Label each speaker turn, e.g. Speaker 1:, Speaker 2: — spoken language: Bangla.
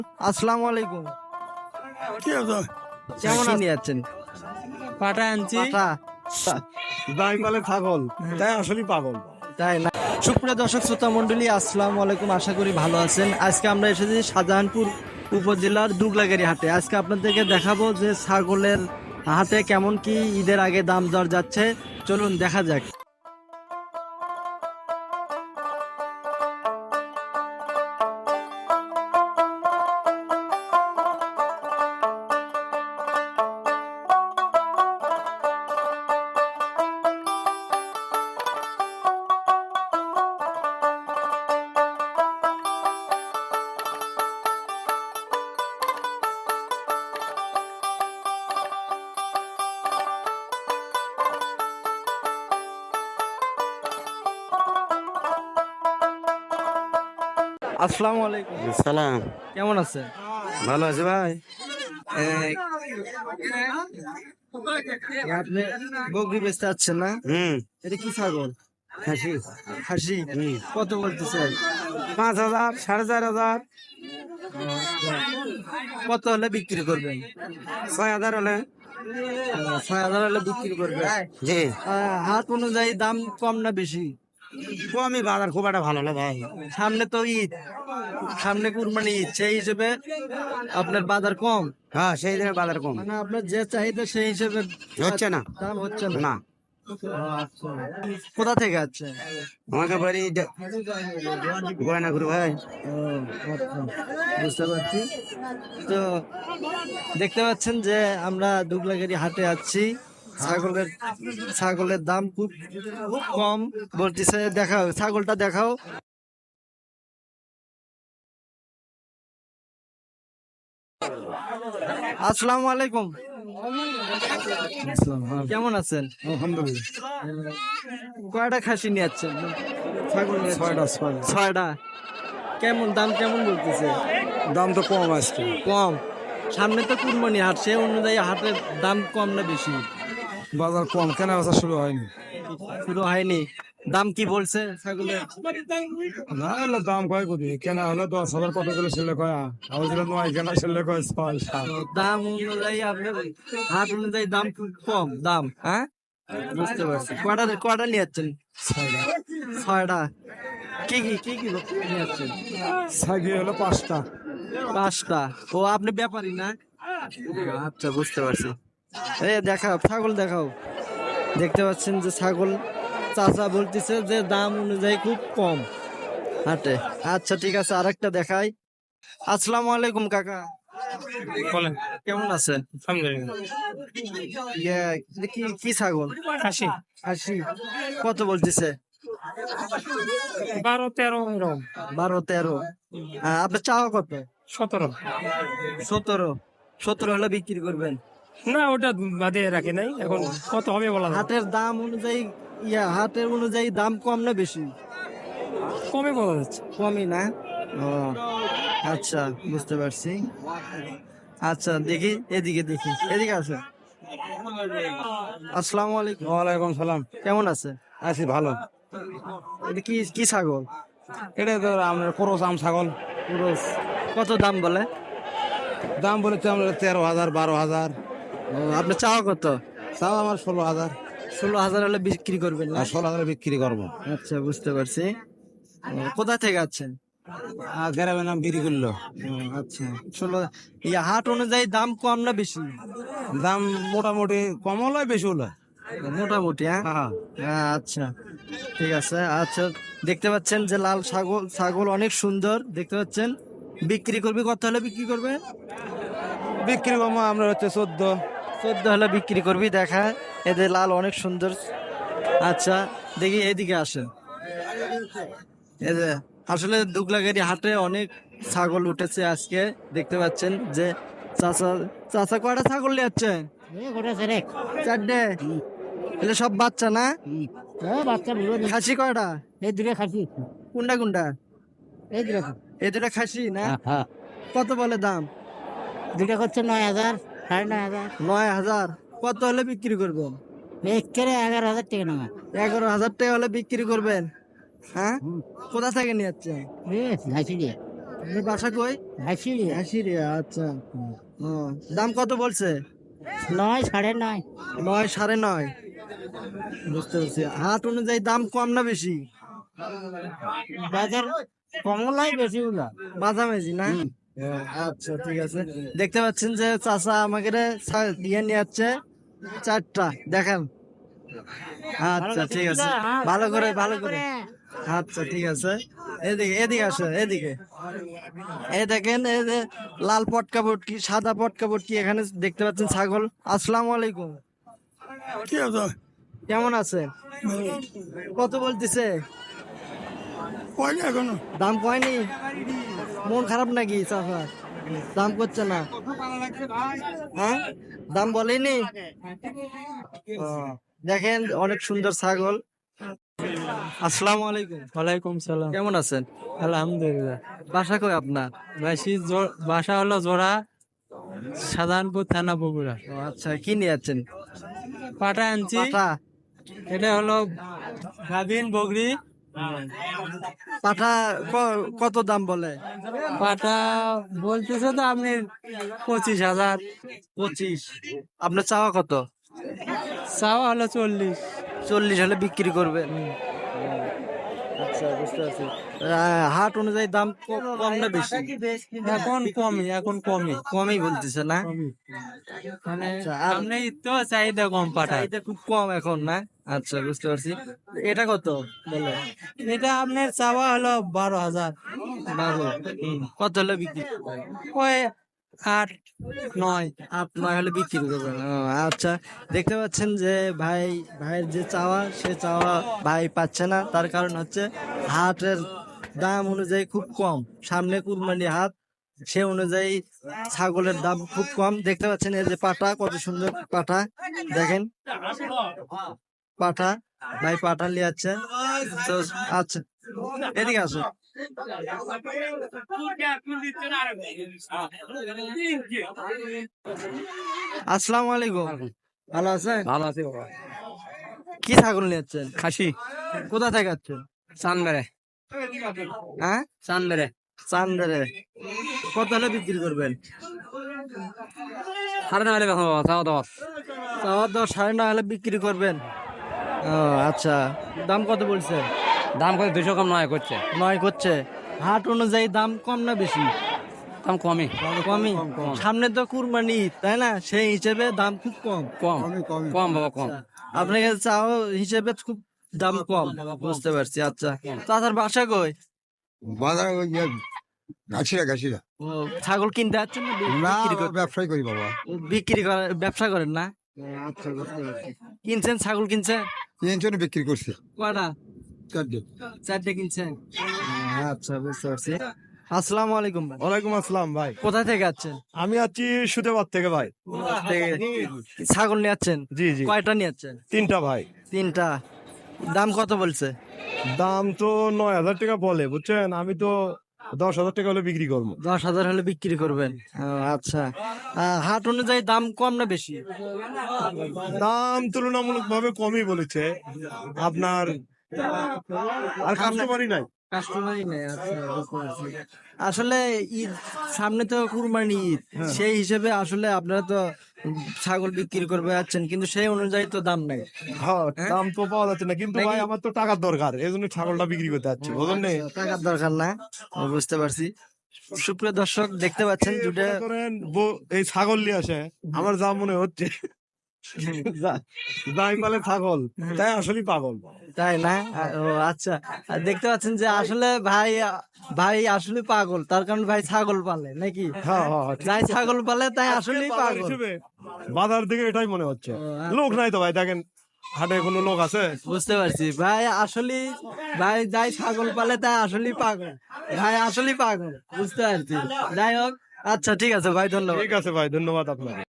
Speaker 1: আসসালামু আলাইকুম। কেমন নিয়ে যাচ্ছেন?
Speaker 2: পাটা আনছি।
Speaker 1: পাঠা
Speaker 3: দাই বলে ছাগল, তাই আসলে পাগল।
Speaker 1: তাই না? সুপ্রিয় দর্শক শ্রোতা মন্ডলী, আসসালামু আলাইকুম। আশা করি ভালো আছেন। আজকে আমরা এসেছি শাহজাহানপুর উপজেলার দুগলাগাড়ি হাটে। আজকে আপনাদেরকে দেখাবো যে ছাগলের হাটে কেমন কি ঈদের আগে দাম দর যাচ্ছে। চলুন দেখা যাক। আসসালামু আলাইকুম।
Speaker 3: সালাম,
Speaker 1: কেমন আছেন?
Speaker 3: ভালো আছে ভাই।
Speaker 1: আপনি বকরি বেচতে যাচ্ছেন না? এটা কি ছাগল?
Speaker 3: খাসি।
Speaker 1: খাসি? কত বলতেছে?
Speaker 3: 5,000, 4,500,
Speaker 1: কত হলে বিক্রি করবেন?
Speaker 3: 6,000 হলে।
Speaker 1: 6,000 হলে বিক্রি করবেন।
Speaker 3: জি,
Speaker 1: হাট অনুযায়ী দাম কম না বেশি?
Speaker 3: কমই, বাজার খুব একটা ভালো না ভাই।
Speaker 1: সামনে তো ঈদ, সামনে কুরবানি ঈদ, সেই হিসেবে আপনার বাজার কম।
Speaker 3: হ্যাঁ, সেই দিনে বাজার কম
Speaker 1: মানে আপনার যে চাহিদা সেই হিসেবে
Speaker 3: হচ্ছে না।
Speaker 1: দাম হচ্ছে না।
Speaker 3: না,
Speaker 1: কোথা থেকে আছে?
Speaker 3: আমাকে বাড়ি গয়না করু ভাই।
Speaker 1: বুঝতে পারছি। তো দেখতে পাচ্ছেন যে আমরা দুবলাগাড়ি হাটে আছি। ছাগলের দাম খুব কম বলতেছে। দেখাও ছাগলটা, দেখাও। আসসালামু আলাইকুম। কেমন আছেন?
Speaker 3: আলহামদুলিল্লাহ।
Speaker 1: কয়টা খাসি নিয়ে যাচ্ছেন? ছাগল নিয়ে যাচ্ছেন?
Speaker 3: 6টা।
Speaker 1: 6টা। কেমন দাম কেমন বলতেছে?
Speaker 3: দাম তো কম আজকে।
Speaker 1: কম। সামনে তো কুরবানি হাট, সে অনুযায়ী হাটের দাম কম না বেশি?
Speaker 3: বাজার কম, কেনা বেচা শুরু হয়নি।
Speaker 1: শুরু হয়নি। দাম কি বলছে ছাগলের?
Speaker 3: না হলে দাম কয় কোটি, কেনা হলে 10,000, কত করে ছেলে কয় আমাদের 9, কেনা ছেলে কয় 6, 7।
Speaker 1: দাম অনুযায়ী আপনার হাট অনুযায়ী দাম খুব কম দাম। হ্যাঁ, বুঝতে পারছি। কয়টা নিয়ে যাচ্ছেন? 6টা। কি কি কি কি নিয়ে যাচ্ছেন?
Speaker 3: ছাগি হলো 5টা।
Speaker 1: 5টা। ও, আপনি ব্যাপারী না? আচ্ছা, বুঝতে পারছি। দেখাও ছাগল, দেখাও। দেখতে পাচ্ছেন যে ছাগল চাচা বলতেছে যে দাম অনুযায়ী খুব কম হাটে। আচ্ছা, ঠিক আছে, আরেকটা দেখাই। আসসালামু আলাইকুম কাকা।
Speaker 2: বলেন।
Speaker 1: কেমন আছেন?
Speaker 2: আলহামদুলিল্লাহ।
Speaker 1: এটা কি ছাগল?
Speaker 2: খাসি।
Speaker 1: খাসি। কত বলতেছে?
Speaker 2: 12-13 এরকম।
Speaker 1: 12-13। আপনার চাওয়া কত?
Speaker 2: 17।
Speaker 1: 17 হলে বিক্রি করবেন?
Speaker 2: না, ওটা বাদে রাখে নাই, এখন কত হবে বলা যাবে না।
Speaker 1: হাটের দাম অনুযায়ী হাটের অনুযায়ী দাম কম না বেশি?
Speaker 2: কমে বলা যাচ্ছে।
Speaker 1: কমই না? ও আচ্ছা, বুঝতে পারছি। আচ্ছা, দেখি এদিকে, দেখি এদিকে আছে। আসসালামু আলাইকুম।
Speaker 3: ওয়ালাইকুম সালাম।
Speaker 1: কেমন আছে?
Speaker 3: আছি ভালো।
Speaker 1: এটা কি কি ছাগল?
Speaker 3: এটা তো আমরা করস আম ছাগল।
Speaker 1: পুরুষ। কত দাম বলে?
Speaker 3: দাম বলেছে আমরা 13,000, 12,000।
Speaker 1: আপনার চাওয়া কত?
Speaker 3: তাও আমার 16,000।
Speaker 1: 16,000 হলে বিক্রি করবেন না?
Speaker 3: আর 16,000 বিক্রি করবো।
Speaker 1: আচ্ছা, বুঝতে পারছি। কোথা থেকে আছেন?
Speaker 3: আর গ্রামের নাম বিক্রি করলো।
Speaker 1: আচ্ছা, 16। হাট অনুযায়ী দাম কম না বেশি?
Speaker 3: দাম মোটামুটি কম হলো, বেশি হলো।
Speaker 1: মোটামুটি। হ্যাঁ, আচ্ছা, ঠিক আছে। আচ্ছা, দেখতে পাচ্ছেন যে লাল ছাগল অনেক সুন্দর দেখতে পাচ্ছেন। বিক্রি করবে কত হলে বিক্রি করবে?
Speaker 3: বিক্রি করবো আমরা হচ্ছে 14।
Speaker 1: 14 হলে বিক্রি করবি। দেখা, এদের লাল অনেক সুন্দর। আচ্ছা, দেখি এদিকে আসেন। এদের আসলে দুগলাগাড়ি হাটে অনেক ছাগল উঠেছে আজকে। দেখতে পাচ্ছেন যে চাচা চাচা কয়টা ছাগল নিয়ে যাচ্ছে? 4টে। এগুলো সব বাচ্চা না? খাসি কয়টা?
Speaker 2: এই দুটো খাসি।
Speaker 1: কোনটা কোনটা?
Speaker 2: এই দুটো।
Speaker 1: এই দুটা খাসি না?
Speaker 2: হ্যাঁ,
Speaker 1: কত বলে দাম?
Speaker 2: দুটো করছে 9,000, 9,500।
Speaker 1: 9,000। কত হলে বিক্রি করবেন?
Speaker 2: একেবারে 11,000 টাকা নামা।
Speaker 1: 11,000 টাকা হলে বিক্রি করবেন? হ্যাঁ, কোথা থেকে নিয়ে যাচ্ছেন?
Speaker 2: ঘাসি দিয়ে।
Speaker 1: আপনার বাসা কই? হাসিরে, আচ্ছা। ও, দাম কত বলছে?
Speaker 4: 9 9.5
Speaker 1: 9 9.5। বুঝতে পারছি। হাট অনুযায়ী দাম কম না বেশি?
Speaker 4: বাজার কমলাই বেশি গুলা
Speaker 1: মাঝামাঝি না? আচ্ছা ঠিক আছে। দেখতে পাচ্ছেন যে চাচা আমাকে দিয়ে নিয়ে যাচ্ছে 4টা, দেখেন। আচ্ছা ঠিক আছে, ভালো করে ভালো করে। আচ্ছা ঠিক আছে, এদিকে এদিকে আসো, এদিকে। এই দেখেন, এই যে লাল পটকা পটকি, সাদা পটকা পটকি এখানে দেখতে পাচ্ছেন ছাগল। আসসালামু আলাইকুম, কেমন আছেন? কত বলতেছে?
Speaker 3: এখনো
Speaker 1: দাম কয়নি? মন খারাপ নাকি চাচা? দাম করছে না? হ্যাঁ, দাম বলেনি? ও, দেখেন অনেক সুন্দর ছাগল। আসসালামু আলাইকুম।
Speaker 2: ওয়ালাইকুম সালাম।
Speaker 1: কেমন আছেন?
Speaker 2: আলহামদুলিল্লাহ।
Speaker 1: বাসা কই আপনার?
Speaker 2: বাসা হলো জোড়া, সাধারণপুর থানা বগুড়া।
Speaker 1: ও, আচ্ছা, কি নিয়ে যাচ্ছেন?
Speaker 2: পাটা আনছি।
Speaker 1: পাঠা?
Speaker 2: এটা হলো গাভিন বগরি।
Speaker 1: পাঠা কত দাম বলে?
Speaker 2: পাটা বলতেছে তো আপনি 25,000,
Speaker 1: 25। আপনার চাওয়া কত?
Speaker 2: চাওয়া হলো 40।
Speaker 1: 40 হলে বিক্রি করবেন? আচ্ছা, বুঝতে পারছি। হাট অনুযায়ী দাম কম না বেশি?
Speaker 2: এখন কমই
Speaker 1: কমই বলতেছে না?
Speaker 2: মানে
Speaker 1: আচ্ছা, আর
Speaker 2: আপনি তো চাহিদা কম পাটা।
Speaker 1: চাহিদা খুব কম এখন না? আচ্ছা, বুঝতে পারছি। এটা কত বলে?
Speaker 2: এটা আপনার চাওয়া হলো 12,000।
Speaker 1: বারো। কত হলে বিক্রি করবেন?
Speaker 2: ওই 8 9।
Speaker 1: 8 9 হলে বিক্রি করবেন? ও, আচ্ছা। দেখতে পাচ্ছেন যে ভাইয়ের যে চাওয়া, সে চাওয়া ভাই পাচ্ছে না। তার কারণ হচ্ছে হাটের দাম অনুযায়ী খুব কম, সামনে কুরবানি হাট, সে অনুযায়ী ছাগলের দাম খুব কম। দেখতে পাচ্ছেন এই যে পাঠা, কত সুন্দর পাঠা, দেখেন পাঠা। ভাই পাঠা নিয়ে যাচ্ছে তো। আচ্ছা, এদিকে আসো। আসসালামু আলাইকুম, ভালো আছেন?
Speaker 2: ভালো আছে বাবা।
Speaker 1: কি ছাগল নিয়ে যাচ্ছেন?
Speaker 2: খাসি।
Speaker 1: কোথা থেকে যাচ্ছেন?
Speaker 2: চান্দরে।
Speaker 1: হ্যাঁ,
Speaker 2: চান্দরে।
Speaker 1: চান্দারে। কত হলে বিক্রি করবেন?
Speaker 2: 9.5 বেচা বাবা, চাওয়া 10।
Speaker 1: চাওয়া 10, 9.5 হলে বিক্রি করবেন? ও, আচ্ছা। দাম কত বলছে?
Speaker 2: দাম করে 200 কম নয় করছে।
Speaker 1: 9 করছে। হাট অনুযায়ী দাম কম না বেশি?
Speaker 2: দাম কমই।
Speaker 1: কমই। সামনে তো কুরবানি ঈদ, তাই না? সেই হিসেবে দাম খুব কম।
Speaker 2: কম কম বাবা, কম।
Speaker 1: আচ্ছা, আপনার কাছে চাও হিসেবে খুব দাম কম, বুঝতে পারছি। আচ্ছা, চাচার বাসা কই?
Speaker 5: বাজার ওই যে ঘাসিরা
Speaker 1: ও, ছাগল কিনতে যাচ্ছেন না
Speaker 5: না
Speaker 1: বিক্রি করতে?
Speaker 5: ব্যবসায় করি বাবা।
Speaker 1: বিক্রি করে, ব্যবসা করেন না? আচ্ছা, বুঝতে পারছি। কিনছেন, ছাগল কিনছেন?
Speaker 5: তিনজনে বিক্রি করছে
Speaker 1: কয়টা?
Speaker 5: 4
Speaker 1: 4টে কিনছেন? আচ্ছা, বুঝতে পারছি। আসসালামু আলাইকুম ভাই।
Speaker 3: ওয়ালাইকুম আসসালাম ভাই।
Speaker 1: কোথা থেকে যাচ্ছেন?
Speaker 3: আমি আছি সুদেবাদ থেকে ভাই।
Speaker 1: ছাগল নিয়ে যাচ্ছেন?
Speaker 3: জি জি,
Speaker 1: কয়টা নিয়ে যাচ্ছেন?
Speaker 3: 3টা ভাই।
Speaker 1: 3টা। দাম কত বলছে?
Speaker 3: দাম তো 9,000 টাকা বলে, বুঝছেন। আমি তো 10,000 টাকা হলে বিক্রি করবো।
Speaker 1: 10,000 হলে বিক্রি করবেন? ও, আচ্ছা। হাট অনুযায়ী দাম কম না বেশি?
Speaker 3: দাম তুলনামূলক ভাবে কমই বলেছে আপনার, আর কাস্টমারই নাই।
Speaker 1: কাস্টমারই নেই। আচ্ছা, বুঝতে পারছি। আসলে ঈদ সামনে তো কুরবানি ঈদ, সেই হিসেবে আসলে আপনারা তো ছাগল বিক্রি করবে যাচ্ছেন, কিন্তু সেই অনুযায়ী তো দাম নাই।
Speaker 3: হ্যাঁ,
Speaker 1: হ্যাঁ?
Speaker 3: দাম তো পাওয়া যাচ্ছে না, কিন্তু ভাই আমার তো টাকার দরকার, এই জন্য ছাগলটা বিক্রি করতে যাচ্ছি, বুঝলেন না?
Speaker 1: টাকার দরকার না? ও, বুঝতে পারছি। সুপ্রিয় দর্শক, দেখতে পাচ্ছেন দুটো।
Speaker 3: মনে করেন এই ছাগল নিয়ে আসে, আমার যা মনে হচ্ছে যাই বলে ছাগল, তাই আসলে পাগল।
Speaker 1: তাই না? ও, আচ্ছা। আর দেখতে পাচ্ছেন যে আসলে ভাই আসলে পাগল, তার কারণ ভাই ছাগল পালে নাকি?
Speaker 3: হ্যাঁ হ্যাঁ হ্যাঁ,
Speaker 1: যাই ছাগল পালে তাই আসলেই
Speaker 3: বাজার
Speaker 1: পাগল।
Speaker 3: হিসেবে, বাজার দিকে এটাই মনে হচ্ছে।
Speaker 1: ও, আচ্ছা।
Speaker 3: লোক নাই তো ভাই, দেখেন হাটে কোনো লোক আছে?
Speaker 1: বুঝতে পারছি ভাই, আসলে ভাই যাই ছাগল পালে তাই আসলেই পাগল, ভাই আসলেই পাগল, বুঝতে পারছি। যাই হোক, আচ্ছা ঠিক আছে ভাই, ধন্যবাদ।
Speaker 3: ঠিক আছে ভাই, ধন্যবাদ আপনাকে।